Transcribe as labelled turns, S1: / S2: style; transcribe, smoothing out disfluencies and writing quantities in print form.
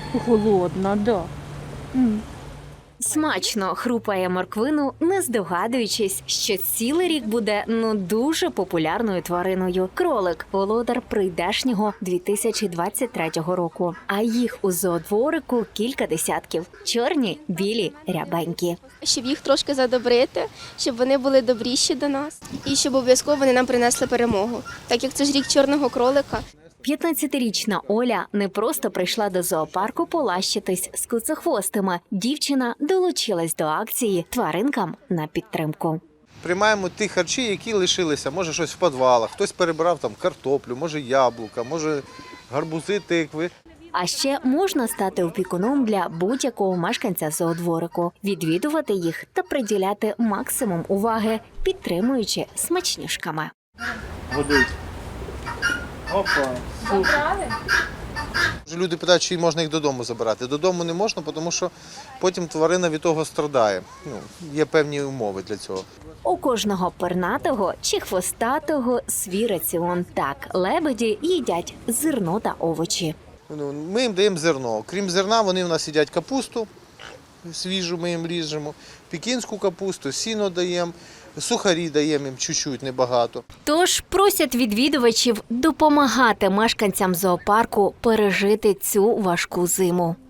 S1: Голодна, да.
S2: Смачно хрупає морквину, не здогадуючись, що цілий рік буде дуже популярною твариною. Кролик – володар прийдешнього 2023 року. А їх у зоодворику кілька десятків. Чорні, білі, рябенькі.
S3: Щоб їх трошки задобрити, щоб вони були добріші до нас і щоб обов'язково вони нам принесли перемогу. Так як це ж рік чорного кролика.
S2: 15-річна Оля не просто прийшла до зоопарку полащитись з куцехвостими. Дівчина долучилась до акції «Тваринкам на підтримку».
S4: Приймаємо ті харчі, які лишилися. Може щось в підвалах, хтось перебрав там картоплю, може яблука, може гарбузи, тикви.
S2: А ще можна стати опікуном для будь-якого мешканця зоодворику, відвідувати їх та приділяти максимум уваги, підтримуючи смачнюшками.
S1: Годить. Опа.
S4: Люди питають, чи можна їх додому забирати. Додому не можна, тому що потім тварина від того страдає. Є певні умови для цього.
S2: У кожного пернатого чи хвостатого свій раціон. Так, лебеді їдять зерно та овочі.
S4: Ми їм даємо зерно. Крім зерна, вони в нас їдять капусту свіжу, ми їм ріжемо, пекінську капусту, сіно даємо, сухарі даємо їм чуть-чуть, небагато.
S2: Тож просять відвідувачів допомагати мешканцям зоопарку пережити цю важку зиму.